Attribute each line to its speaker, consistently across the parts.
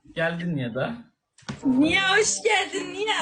Speaker 1: Geldin ya da.
Speaker 2: Niye hoş geldin Niye?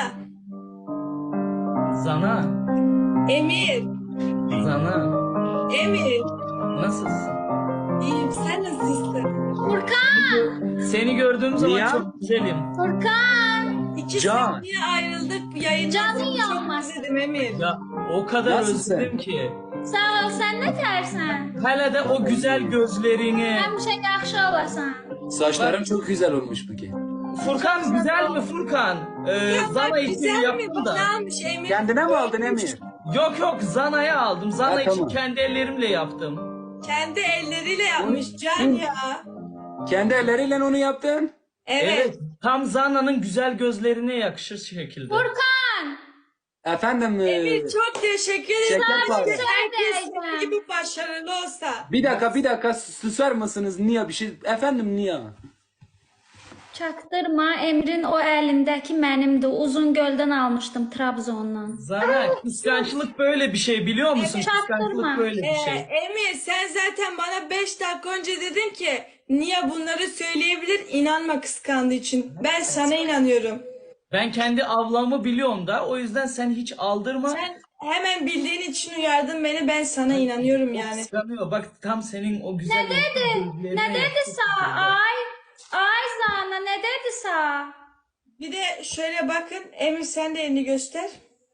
Speaker 1: Zana.
Speaker 2: Emir.
Speaker 1: Zana.
Speaker 2: Emir.
Speaker 1: Nasılsın?
Speaker 2: İyiyim sen nasılsın?
Speaker 3: Furkan!
Speaker 1: Seni gördüğüm zaman
Speaker 4: Niye?
Speaker 1: çok güzelim.
Speaker 3: Furkan!
Speaker 2: İki
Speaker 4: Can.
Speaker 2: saniye ayrıldık yayından.
Speaker 3: Canın
Speaker 2: Seni
Speaker 3: yanmasın.
Speaker 2: Çok özledim Emir.
Speaker 1: Ya o kadar
Speaker 4: Nasılsın?
Speaker 1: özledim ki.
Speaker 3: Sağ ol, sen ne tersen?
Speaker 1: Hele de o güzel gözlerini.
Speaker 3: Həmişə yaxşı olasan.
Speaker 4: Saçların çok güzel olmuş bugün.
Speaker 1: Furkan güzel mi Furkan?
Speaker 2: Ya
Speaker 1: Zana
Speaker 2: bak
Speaker 1: için
Speaker 2: güzel mi?
Speaker 1: yaptım
Speaker 2: Bak
Speaker 1: da.
Speaker 2: ne almış Emir?
Speaker 4: Kendine mi aldın Emir?
Speaker 1: Yok Zana'ya aldım. Zana
Speaker 4: Ha,
Speaker 1: için
Speaker 4: tamam.
Speaker 1: kendi ellerimle yaptım.
Speaker 2: Kendi elleriyle yapmış Can ya.
Speaker 4: Kendi elleriyle onu yaptın.
Speaker 2: Evet.
Speaker 1: Tam Zana'nın güzel gözlerine yakışır şekilde.
Speaker 3: Furkan!
Speaker 4: Efendim
Speaker 2: Emir çok teşekkür ederim.
Speaker 4: Şeker var.
Speaker 2: Herkes
Speaker 3: Neredeydi?
Speaker 2: senin gibi başarılı olsa.
Speaker 4: bir dakika susar mısınız? Niye bir şey? Efendim niye?
Speaker 3: Çaktırma, Emrin o əlindəki mənimdir. Uzun göldən almışdım Trabzondan.
Speaker 1: Zana kıskançlık böyle bir şey biliyor musun?
Speaker 3: Çaktırma.
Speaker 1: Kıskançlık böyle bir şey.
Speaker 2: Emir sen zaten bana 5 dakika önce dedin ki niye bunları söyleyebilir inanma kıskandığı için. Ben sana inanıyorum.
Speaker 1: Ben kendi avlamı biliyorum da o yüzden sen hiç aldırma.
Speaker 2: Sen hemen bildiğin için uyardın beni ben sana inanıyorum yani.
Speaker 1: Kıskanıyor. Bak tam senin o güzel gözlerine
Speaker 3: Nə dedi
Speaker 1: yakışır
Speaker 3: sağ?
Speaker 1: şekilde.
Speaker 3: Ay Zana, nə dedi sağ?
Speaker 2: Bir de şöyle bakın Emir sen de elini göster.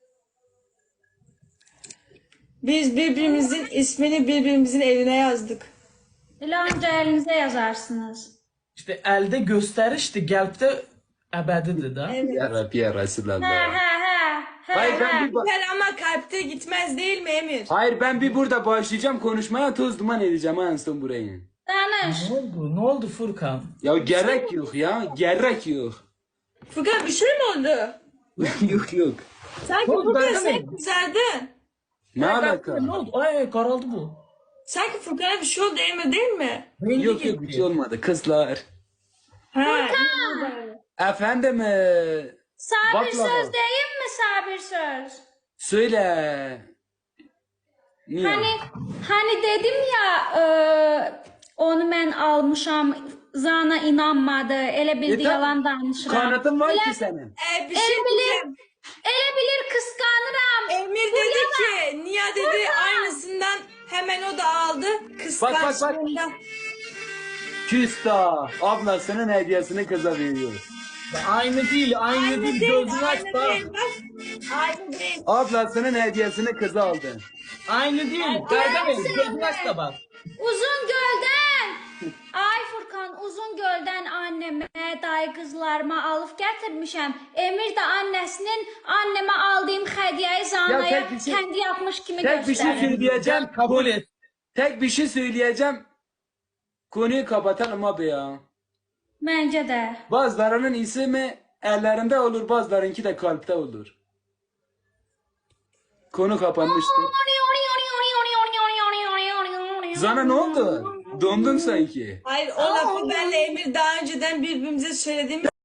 Speaker 2: Biz birbirimizin ismini birbirimizin eline yazdık.
Speaker 3: Elə ancaq əlinizə yazarsınız.
Speaker 1: İşte elde gösterişti, gelpte ebedidir da.
Speaker 2: Evet.
Speaker 4: Ya Rabbi ya Resulallah.
Speaker 3: Hə.
Speaker 4: Hayır ben bir
Speaker 2: Güzel ama kalpte gitmez değil mi Emir?
Speaker 4: Hayır ben bir burada başlayacağım konuşmaya toz duman edeceğim en son burayı.
Speaker 3: Danış.
Speaker 1: Ne oldu? Ne oldu Furkan?
Speaker 4: Ya gerek yok ya. Gerek yok.
Speaker 2: Furkan bir şey mi oldu?
Speaker 4: yok.
Speaker 2: Sanki
Speaker 1: Ne oldu,
Speaker 2: Furkan
Speaker 1: ben de
Speaker 2: sen
Speaker 1: mi?
Speaker 2: kızardın.
Speaker 4: Ne alaka?
Speaker 1: Ne oldu? Ay karaldı bu.
Speaker 2: Sanki Furkan'a bir şey oldu Emir değil mi?
Speaker 1: Belli
Speaker 4: Yok bir şey olmadı kızlar.
Speaker 2: Ha.
Speaker 4: Efendim
Speaker 3: Sabir
Speaker 4: Baklava.
Speaker 3: söz deyim mi sabir söz?
Speaker 4: söyle. Niye?
Speaker 3: Hani dedim ya onu mən almışam, Zana inanmadı, elə bildi
Speaker 4: tam
Speaker 3: yalan danışıram.
Speaker 4: Kanıtın var
Speaker 3: Elə-
Speaker 4: ki senin.
Speaker 2: Bir şey diyeceğim.
Speaker 3: Elə bilir kıskanıram.
Speaker 2: Emir dedi ki Nia dedi aynısından hemen o da aldı. Kıskançlığından.
Speaker 4: Küsta ablasının hediyesini kıza veriyor.
Speaker 1: Aynı değil, aynı değil. Gözünü aç
Speaker 2: aynı
Speaker 1: bak.
Speaker 2: değil bak. Aynı değil.
Speaker 4: Ablasının hediyesini kıza aldı.
Speaker 1: Aynı değil. Gargamel, gözünü aç da bak.
Speaker 3: Uzun göldən. Ay Furkan, uzun göldən annəmə, dayı qızlarıma alıb gətirmişəm. Emir də annesinin anneme aldığım hədiyəyi Zanaya
Speaker 4: tek bir şey-
Speaker 3: kendi yapmış kimi
Speaker 4: Tek bir şey
Speaker 3: göstərir.
Speaker 4: söyleyeceğim.
Speaker 1: Kabul et.
Speaker 4: Tek bir şey söyleyeceğim. Konuyu kapatalım abi ya.
Speaker 3: Məncə də.
Speaker 4: Bazılarının ismi ellerinde olur, bazılarınki de kalpte olur. Konu kapanmıştı. Zana ne oldu? Dondun sanki.
Speaker 2: Hayır o lafı benle Emir daha önceden birbirimize söylediğimiz